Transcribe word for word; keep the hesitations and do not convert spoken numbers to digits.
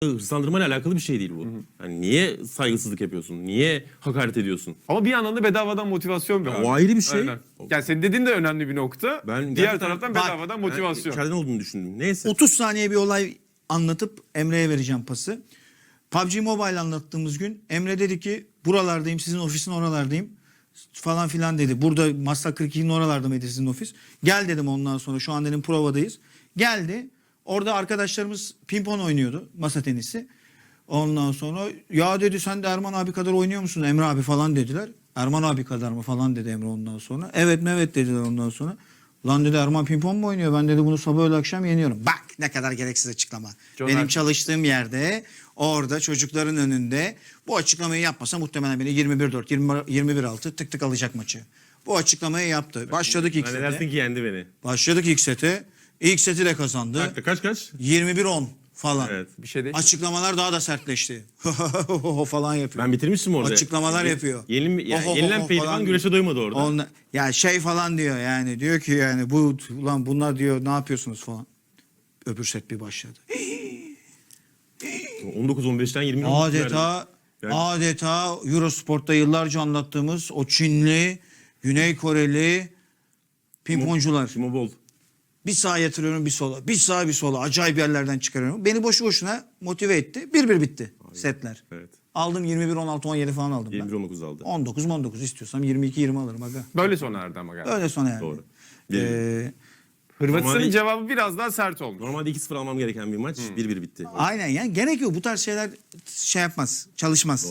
hırslandırmayla alakalı bir şey değil bu. Yani niye saygısızlık yapıyorsun? Niye hakaret ediyorsun? Ama bir yandan da bedavadan motivasyon bir Ya abi. o ayrı bir şey. Aynen. Yani senin dediğin de önemli bir nokta. Ben Diğer gerçekten- taraftan Bak, bedavadan Ben motivasyon. içeriden olduğunu düşündüm. Neyse. otuz saniye bir olay anlatıp Emre'ye vereceğim pası. P U B G Mobile anlattığımız gün Emre dedi ki buralardayım, sizin ofisin oralardayım falan filan dedi. Burada Maslak kırk ikinin oralarda mıydı sizin ofis? Gel dedim ondan sonra, şu an dedim provadayız. Geldi. Orada arkadaşlarımız pimpon oynuyordu, masa tenisi. Ondan sonra ya dedi sen de Erman abi kadar oynuyor musun Emre abi falan dediler. Erman abi kadar mı falan dedi Emre ondan sonra. Evet mi evet dediler ondan sonra. Lan dedi Erman pimpon mu oynuyor? Ben dedi bunu sabah öğle akşam yeniyorum. Bak ne kadar gereksiz açıklama. John Benim Hackman. çalıştığım yerde orada çocukların önünde bu açıklamayı yapmasa muhtemelen beni yirmi bir dört yirmi bir altı tık tık alacak maçı. Bu açıklamayı yaptı. Başladık ilk Zannedersin sete. ki yendi beni. Başladık ilk sete. İlk seti de kazandı. Dakika, kaç kaç? yirmi bir on falan. Evet. Bir şey değil. Açıklamalar daha da sertleşti. falan yapıyor. Ben bitirmiştim orada. Açıklamalar Ye- yapıyor. Yenil, ya, Oh, oh, yenilen oh pehlivan falan güreşe doymadı orada. Onla, ya şey falan diyor yani, diyor ki yani bu ulan bunlar diyor ne yapıyorsunuz falan. Öbür set bir başladı. on dokuz on beşten yirmi Adeta Yani- adeta Eurosport'ta yıllarca anlattığımız o Çinli, Güney Koreli pimponcular. Timo Boll. Bir sağa yatırıyorum bir sola. Bir sağa bir sola. Acayip yerlerden çıkarıyorum. Beni boşu boşuna motive etti. Bir bir bitti setler. Evet. Aldım yirmi bir on altı on yedi falan aldım yirmi bir ben. on dokuz aldı. on dokuz on dokuz istiyorsam yirmi iki yirmi alırım aga. Böyle sona erdi ama galiba. Öyle sonra yani. Doğru. Ee, Hırvatistan'ın Normalde- cevabı biraz daha sert olmuş. Normalde iki sıfır almam gereken bir maç bir bir bitti. aynen yani gerek yok. Bu tarz şeyler şey yapmaz. Çalışmaz.